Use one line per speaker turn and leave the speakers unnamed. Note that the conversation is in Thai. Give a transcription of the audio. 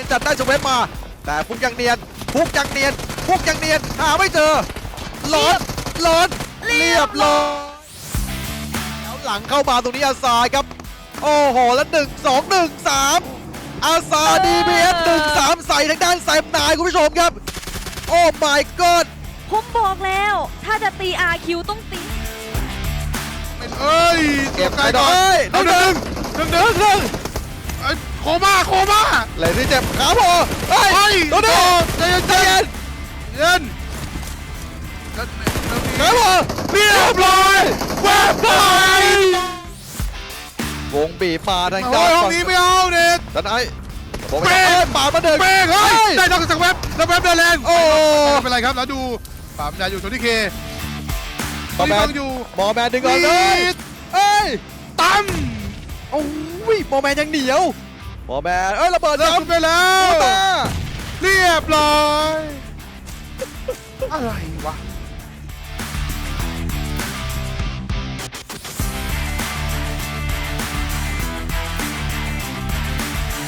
จัดได้สเวฟมาแต่ฟุกยังเนียนฟุกยังเนียนฟุกยังเนียนหาไม่เจอหลอนเรียบร้อยแล้วหลังเข้ามาตรงนี้อาซาครับโอ้โหแล้ว1-2-1-3อาซาดีพีเอส1-3ใส่ทางด้านแซมนายคุณผู้ชมครับโอ้ my god
ผมบอกแล้วถ้าจะตี RQ ต้องตี
เอ้ย
เก็บ
ไกล
ไป
ก่อน
หนึ่ง
หนึ่ง
เอ้ย
โคม่า
เลยที่เจ็บขาพอเฮ้ยตัวนี้ใจเย็น
เย็น
ขาพอเรียบร้อยแวบไปวงบีบมาทาง
โอ้
ด้าย น
ห้องนี้ไม่เอาเด็ด
ด้านไอ้บอกไปป่ามาเดิน
เบรกเฮ้ยได้ดอกจากเว็บแล้วเว็บเดินแรง
โอ้
ไม่เป็นไรครับแล้วดูปามยาอยู่โทนี่เค
หมอแม
ฟั
น
งอยู่
หมอแมนดึงก่อนเลยเอ้ย
ตั้ม
โอ้ยหมอแมนยังเหนียวหมอแมนเอ้ยระเบิด
เริ่ม
ซ้ำ
ไปแล้
โอ้
ว
ตา
เรียบร้อยอะไรวะ